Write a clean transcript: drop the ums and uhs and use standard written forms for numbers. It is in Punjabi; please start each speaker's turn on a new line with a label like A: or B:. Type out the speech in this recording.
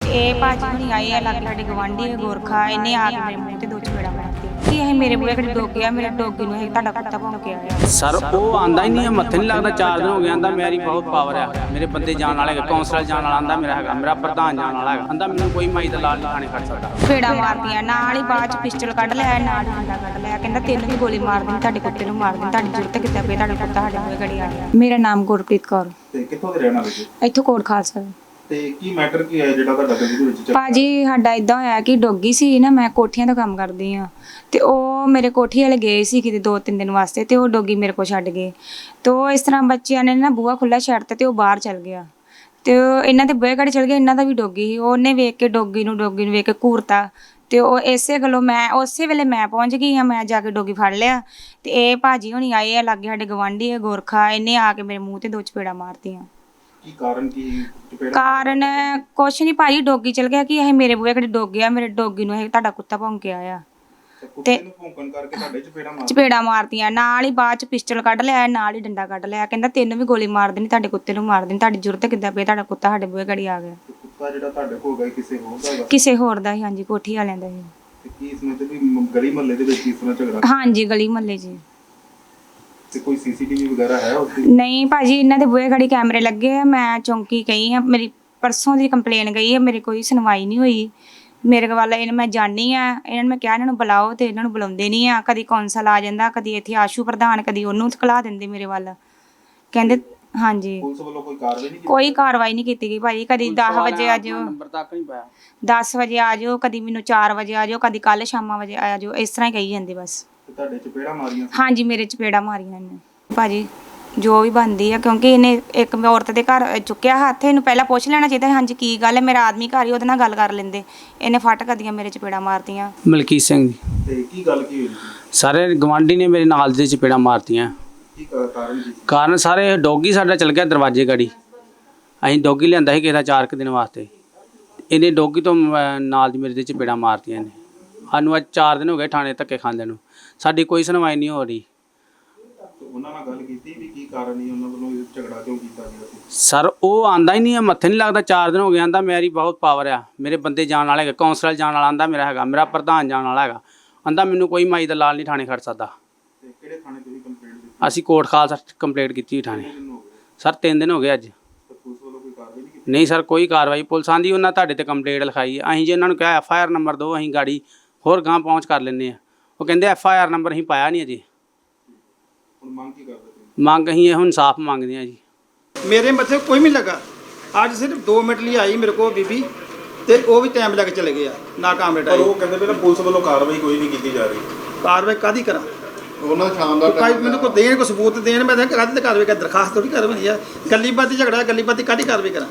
A: ਇਹ ਭਾਜੀ ਹੁਣੀ ਆਏ ਆ ਲਾਗੇ ਸਾਡੇ ਗਵਾਂਢੀ ਗੋਰਖਾ, ਇਹਨੇ ਆ ਕੇ ਮੇਰੇ ਮੂੰਹ ਤੇ ਦੋ ਚਪੇੜਾ ਮਾਰਤੀ ਕਿ ਇਹ ਮੇਰੇ ਬੂਹੇ ਘੜੀ ਡੋਗੇ ਆ, ਮੇਰੇ ਡੋਗੀ ਨੂੰ ਇਹ ਤੁਹਾਡਾ ਕੁੱਤਾ ਭੌਂਕ ਕੇ ਆਇਆ।
B: ਸਰ ਉਹ ਆਂਦਾ ਹੀ ਨਹੀਂ ਹੈ, ਮੱਥੇ ਨਹੀਂ ਲੱਗਦਾ। 4 ਦਿਨ ਹੋ ਗਏ, ਆਂਦਾ ਮੇਰੀ ਬਹੁਤ ਪਾਵਰ ਆ, ਮੇਰੇ ਬੰਦੇ ਜਾਣ ਵਾਲੇ ਹੈਗੇ, ਕੌਂਸਲਰ ਜਾਣ ਵਾਲਾ ਆਂਦਾ ਮੇਰਾ ਹੈਗਾ, ਮੇਰਾ ਪ੍ਰਧਾਨ ਜਾਣ ਵਾਲਾ ਹੈਗਾ, ਆਂਦਾ ਮੈਨੂੰ ਕੋਈ ਮਾਈ ਦਾ ਲਾਲ ਖਾਣੇ ਖੜ ਸਕਦਾ।
A: ਚਪੇੜਾ ਮਾਰਦੀਆਂ ਨਾਲ ਹੀ ਬਾਅਦ ਚ ਪਿਸਟਲ ਕੱਢ ਲਿਆ, ਨਾਲ ਹੀ ਡੰਡਾ ਕੱਢ ਲਿਆ, ਕਹਿੰਦਾ ਤੈਨੂੰ ਵੀ ਗੋਲੀ ਮਾਰ ਦੇਣੀ, ਤੁਹਾਡੇ ਕੁੱਤੇ ਨੂੰ ਮਾਰ ਦੇਣੀ, ਤੁਹਾਡੀ ਜ਼ਰੂਰਤ ਕਿੱਦਾਂ ਪਈ, ਤੁਹਾਡਾ ਕੁੱਤਾ ਸਾਡੇ ਬੂਹੇ ਘੜੀ ਆ ਗਿਆ। ਮੇਰਾ ਨਾਮ ਗੁਰਪ੍ਰੀਤ ਕੌਰ।
C: ਤੇ ਕਿੱਥੋਂ ਦੇ ਰਹਿਣ ਵਾਲੇ ਜੀ?
A: ਇੱਥੋਂ ਕੋਟ ਖਾਲਸਾ।
C: ਤੇ ਕੀ ਮੈਟਰ ਕੀ ਹੈ ਜਿਹੜਾ ਤੁਹਾਡਾ ਗੱਡੀ ਦੇ ਵਿੱਚ
A: ਭਾਜੀ ਸਾਡਾ ਇਦਾਂ ਹੋਇਆ ਕਿ ਡੋਗੀ ਸੀ ਨਾ, ਮੈਂ ਕੋਠੀਆਂ ਦਾ ਕੰਮ ਕਰਦੀ ਆ ਤੇ ਉਹ ਮੇਰੇ ਕੋਠੀ ਵਾਲੇ ਗਏ ਸੀ ਕਿਤੇ 2-3 ਦਿਨ ਵਾਸਤੇ ਤੇ ਉਹ ਡੋਗੀ ਮੇਰੇ ਕੋਲ ਛੱਡ ਗਏ। ਤੇ ਉਹ ਇਸ ਤਰ੍ਹਾਂ ਬੱਚਿਆਂ ਨੇ ਨਾ ਬੂਹਾ ਖੁੱਲਾ ਛੱਡਤਾ ਤੇ ਉਹ ਬਾਹਰ ਚਲ ਗਿਆ ਤੇ ਉਹ ਇਹਨਾਂ ਦੇ ਬੂਹੇ ਘੜੀ ਚਲ ਗਿਆ। ਇਹਨਾਂ ਦਾ ਵੀ ਡੋਗੀ ਸੀ, ਉਹਨੇ ਵੇਖ ਕੇ ਡੋਗੀ ਨੂੰ ਵੇਖ ਕੇ ਘੂਰਤਾ ਤੇ ਉਹ ਇਸੇ ਗੱਲੋਂ ਮੈਂ ਉਸੇ ਵੇਲੇ ਮੈਂ ਪਹੁੰਚ ਗਈ ਹਾਂ, ਮੈਂ ਜਾ ਕੇ ਡੋਗੀ ਫੜ ਲਿਆ ਤੇ ਇਹ ਭਾਜੀ ਹੁਣੀ ਆਏ ਆ ਲਾਗੇ ਸਾਡੇ ਗਵਾਂਢੀ ਗੋਰਖਾ, ਇਹਨੇ ਆ ਕੇ ਮੇਰੇ ਮੂੰਹ ਤੇ ਦੋ ਚਪੇੜਾ ਮਾਰਤੀਆਂ।
C: ਕੀ ਕਾਰਨ ਕੀ
A: ਕਾਰਨ ਕੁਛ ਨਹੀਂ ਭਾਜੀ, ਡੋਗੀ ਚਲ ਗਿਆ ਕਿ ਇਹ ਮੇਰੇ ਬੂਹੇ ਘੜੀ ਡੋਗੇ ਆ, ਮੇਰੇ ਡੋਗੀ ਨੂੰ ਇਹ ਤੁਹਾਡਾ ਕੁੱਤਾ ਭੌਂਕ ਕੇ ਆਇਆ
C: ਤੇ ਨੂੰ ਭੌਂਕਣ ਕਰਕੇ ਤੁਹਾਡੇ
A: ਚਪੇੜਾ ਮਾਰਤੀਆਂ। ਨਾਲ ਹੀ ਬਾਅਦ ਚ ਪਿਸਟਲ ਕੱਢ ਲਿਆ, ਨਾਲ ਹੀ ਡੰਡਾ ਕੱਢ ਲਿਆ, ਕਹਿੰਦਾ ਤੈਨੂੰ ਵੀ ਗੋਲੀ ਮਾਰ ਦੇਣੀ, ਤੁਹਾਡੇ ਕੁੱਤੇ ਨੂੰ ਮਾਰ ਦੇਣੀ, ਤੁਹਾਡੀ ਜ਼ਰੂਰਤ ਕਿੱਦਾਂ ਪਈ, ਤੁਹਾਡਾ ਕੁੱਤਾ ਸਾਡੇ ਬੂਹੇ ਘੜੀ ਆ ਗਿਆ।
C: ਕੁੱਤਾ ਜਿਹੜਾ ਤੁਹਾਡੇ ਕੋਲ ਗਿਆ ਕਿਸੇ ਹੋਰ ਦਾ ਹੈਗਾ?
A: ਕਿਸੇ ਹੋਰ ਦਾ ਹੀ, ਹਾਂਜੀ ਕੋਠੀ ਵਾਲਿਆਂ ਦਾ ਹੀ।
C: ਤੇ ਕੀ ਇਸ ਵਿੱਚ ਵੀ ਗਲੀ ਮੁਹੱਲੇ ਦੇ ਵਿੱਚ ਇਸ ਤਰ੍ਹਾਂ ਝਗੜਾ?
A: ਹਾਂਜੀ ਗਲੀ ਮੁਹੱਲੇ 'ਚ।
C: ਤੇ ਕੋਈ ਸੀਸੀਟੀਵੀ ਵਗੈਰਾ ਹੈ ਉੱਥੇ?
A: ਨਹੀਂ ਭਾਜੀ, ਇਹਨਾਂ ਦੇ ਬੂਹੇ ਘੜੀ ਕੈਮਰੇ ਲੱਗੇ ਆ, ਮੈਂ ਚੌਂਕੀ ਗਈ ਆ, ਮੇਰੀ ਪਰਸੋਂ ਦੀ ਕੰਪਲੇਨ ਗਈ ਹੈ, ਮੇਰੇ ਕੋਈ ਸੁਣਵਾਈ ਨਹੀਂ ਹੋਈ। ਮੇਰੇ ਵੱਲ ਇਹਨਾਂ ਮੈਂ ਜਾਣੀ ਆ, ਇਹਨਾਂ ਨੂੰ ਮੈਂ ਕਿਹਾ ਇਹਨਾਂ ਨੂੰ ਬੁਲਾਓ ਤੇ ਇਹਨਾਂ ਨੂੰ ਬੁਲਾਉਂਦੇ ਨਹੀਂ ਆ। ਕਦੀ ਕੌਂਸਲ ਆ ਜਾਂਦਾ, ਕਦੀ ਇੱਥੇ ਆਸ਼ੂ ਪ੍ਰਧਾਨ, ਕਦੀ ਉਹਨੂੰ ਖਲਾ ਦਿੰਦੇ ਮੇਰੇ ਵੱਲ, ਕਹਿੰਦੇ ਹਾਂਜੀ।
C: ਪੁਲਿਸ ਵੱਲੋਂ ਕੋਈ ਕਾਰਵਾਈ ਨਹੀਂ ਕੀਤੀ?
A: ਕੋਈ ਕਾਰਵਾਈ ਨਹੀਂ ਕੀਤੀ ਗਈ ਭਾਜੀ। ਕਦੀ 10 ਵਜੇ ਆ ਜਾਓ,
B: ਨੰਬਰ ਤੱਕ ਨਹੀਂ ਪਾਇਆ,
A: 10 ਵਜੇ ਆ ਜਾਓ, ਕਦੀ ਮੈਨੂੰ 4 ਵਜੇ ਆ ਜਾਓ, ਕਦੀ ਕੱਲ ਸ਼ਾਮਾਂ ਵਜੇ ਆ ਜਾਓ, ਇਸ ਤਰ੍ਹਾਂ ਹੀ ਕਹੀ ਜਾਂਦੇ ਬਸ।
C: ਤੇ ਤੁਹਾਡੇ ਚਪੇੜਾ ਮਾਰੀਆਂ?
A: ਹਾਂਜੀ ਮੇਰੇ ਚਪੇੜਾ ਮਾਰੀਆਂ ਇਹਨੇ ਭਾਜੀ, ਜੋ ਵੀ ਬਣਦੀ ਆ, ਕਿਉਂਕਿ ਇਹਨੇ ਇੱਕ ਔਰਤ ਦੇ ਘਰ ਚੁੱਕਿਆ ਹੱਥ, ਇਹਨੂੰ ਪਹਿਲਾਂ ਪੁੱਛ ਲੈਣਾ ਚਾਹੀਦਾ ਹਾਂਜੀ ਕੀ ਗੱਲ ਹੈ, ਮੇਰਾ ਆਦਮੀ ਘਰ ਹੀ, ਉਹਦੇ ਨਾਲ ਗੱਲ ਕਰ ਲੈਂਦੇ। ਇਹਨੇ ਫਟ ਕਦੀਆਂ ਮੇਰੇ ਚਪੇੜਾ ਮਾਰਤੀਆਂ।
B: ਮਲਕੀਤ ਸਿੰਘ ਜੀ।
C: ਤੇ ਕੀ ਗੱਲ ਕੀ ਹੋਈ?
B: ਸਾਰੇ ਗਵਾਂਢੀ ਨੇ ਮੇਰੇ ਨਾਲ ਦੇ ਚਪੇੜਾ ਮਾਰਤੀਆਂ।
C: ਕੀ ਕਾਰਨ ਕੀ?
B: ਕਾਰਨ ਸਾਰੇ ਡੋਗੀ ਸਾਡਾ ਚਲ ਗਿਆ ਦਰਵਾਜ਼ੇ ਗੜੀ, ਅਸੀਂ ਡੋਗੀ ਲਿਆਂਦਾ ਸੀ ਕਿਸੇ ਦਾ 4 ਦਿਨ ਵਾਸਤੇ, ਇਹਨੇ ਡੋਗੀ ਤੋਂ ਨਾਲ ਦੀ ਮੇਰੇ ਦੇ ਚਪੇੜਾ ਮਾਰਤੀਆਂ ਨੇ। ਸਾਨੂੰ ਅੱਜ 4 ਦਿਨ ਹੋ ਗਏ ਥਾਣੇ ਧੱਕੇ ਖਾਂਦੇ ਨੂੰ, ਸਾਡੀ ਕੋਈ ਸੁਣਵਾਈ ਨਹੀਂ ਹੋ ਰਹੀ।
C: ਉਹਨਾਂ ਨਾਲ ਗੱਲ ਕੀਤੀ ਵੀ ਕੀ ਕਾਰਨ ਨਹੀਂ, ਉਹਨਾਂ ਵੱਲੋਂ ਇਹ ਝਗੜਾ ਕਿਉਂ ਕੀਤਾ ਗਿਆ ਸੀ?
B: ਸਰ ਉਹ ਆਂਦਾ ਹੀ ਨਹੀਂ ਹੈ, ਮੱਥੇ ਨਹੀਂ ਲੱਗਦਾ। 4 ਦਿਨ ਹੋ ਗਏ, ਆਂਦਾ ਮੇਰੀ ਬਹੁਤ ਪਾਵਰ ਆ, ਮੇਰੇ ਬੰਦੇ ਜਾਣ ਵਾਲੇ ਹੈਗੇ, ਕੌਂਸਲਰ ਜਾਣ ਵਾਲਾ ਆਂਦਾ ਮੇਰਾ ਹੈਗਾ, ਮੇਰਾ ਪ੍ਰਧਾਨ ਜਾਣ ਵਾਲਾ ਹੈਗਾ, ਆਂਦਾ ਮੈਨੂੰ ਕੋਈ ਮਾਈ ਦਾ ਲਾਲ ਨਹੀਂ ਥਾਣੇ ਖੜ ਸਕਦਾ।
C: ਤੇ ਕਿਹੜੇ ਥਾਣੇ ਤੁਸੀਂ ਕੰਪਲੇਂਟ ਕੀਤੀ?
B: ਅਸੀਂ ਕੋਟ ਖਾਲਸਾ ਕੰਪਲੇਂਟ ਕੀਤੀ ਥਾਣੇ। ਸਰ 3 ਦਿਨ ਹੋ ਗਏ ਅੱਜ।
C: ਤੇ ਪੁਲਿਸ ਵੱਲੋਂ ਕੋਈ ਕਾਰਵਾਈ ਨਹੀਂ ਕੀਤੀ?
B: ਨਹੀਂ ਸਰ ਕੋਈ ਕਾਰਵਾਈ। ਪੁਲਿਸ ਆਂਦੀ ਉਹਨਾਂ ਤੁਹਾਡੇ ਤੇ ਕੰਪਲੇਂਟ ਲਿਖਾਈ, ਅਸੀਂ ਜੇ ਇਹਨਾਂ ਨੂੰ ਕਿਹਾ FIR ਨੰਬਰ ਦਿਓ, ਅਸੀਂ ਗਾੜੀ ਹੋਰ ਗਾਂ ਪਹੁੰਚ ਕਰ ਲੈਂਦੇ ਆ। ਉਹ ਕਹਿੰਦੇ FIR ਨੰਬਰ ਅਸੀਂ ਪਾਇਆ ਨਹੀਂ ਅਜੇ।
C: ਹੁਣ ਮੰਗ ਕੀ ਕਰਦੇ ਤੁਸੀਂ?
B: ਮੰਗ ਅਸੀਂ ਇਹੋ ਇਨਸਾਫ ਮੰਗਦੇ ਆ ਜੀ।
D: मेरे मथे कोई नहीं लगा, आज सिर्फ 2 मिनट लिए आई मेरे को बीबी, ते वो भी टाइम लग चले गया ना काम बेटा।
C: ਪਰ ਉਹ ਕਹਿੰਦੇ ਵੀ ਨਾ ਪੁਲਿਸ ਵੱਲੋਂ ਕਾਰਵਾਈ ਕੋਈ ਨਹੀਂ ਕੀਤੀ ਜਾ ਰਹੀ।
D: कार्रवाई कादी करा
C: ਉਹਨਾਂ ਸ਼ਾਮ ਦਾ
D: कोई मैंने को देन को सबूत देन, मैं कादी कार्रवाई का दरखास्त थोड़ी करवाई है। गली बाती झगड़ा, गली बाती कादी कार्रवाई करा।